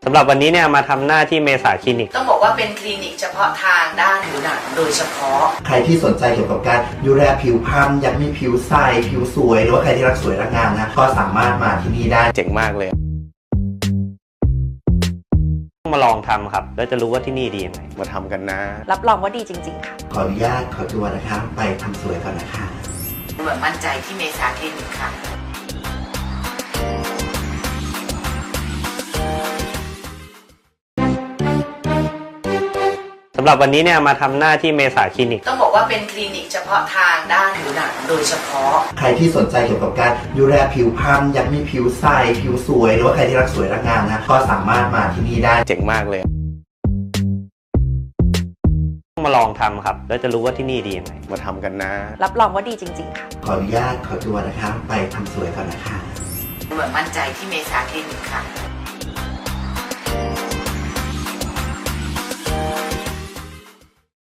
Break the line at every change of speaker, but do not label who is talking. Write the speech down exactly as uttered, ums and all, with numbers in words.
สำหรับวันนี้เนี่ยมาทำหน้าที่เมษาคลินิก
ต้องบอกว่าเป็นคลินิกเฉพาะทางด้านผิวหนังโดยเฉพาะ
ใครที่สนใจเกี่ยวกับการดูแลผิวพรรณอยากมีผิวใสผิวสวยหรือว่าใครที่รักสวยรักงามนะก็สามารถมาที่นี่ได้
เจ๋งมากเลยมาลองทำครับแล้วจะรู้ว่าที่นี่ดียังไงมาทำกันนะ
รับรองว่าดีจริงๆค่ะ
ขออนุญาตขอตัวนะคะไปทำสวยก่อนนะคะ
เหมือนมั่นใจที่เมษาคลินิกค่ะ
สำหรับวันนี้เนี่ยมาทำหน้าที่เมษาคลินิก
ต้องบอกว่าเป็นคลินิกเฉพาะทางด้านผิวหนังโดยเฉพาะ
ใครที่สนใจเกี่ยวกับการดูแลผิวพรรณอยากมีผิวใสผิวสวยหรือว่าใครที่รักสวยรักงามนะก็สามารถมาที่นี่ได้
เจ๋งมากเลยมาลองทำครับแล้วจะรู้ว่าที่นี่ดียังไงมาทำกันนะ
รับรองว่าดีจริงๆค่ะ
ขออนุญาตขอตัวนะคะไปทำสวยก่อนนะคะ
เหมือนมั่นใจที่เมษาคลินิกค่ะ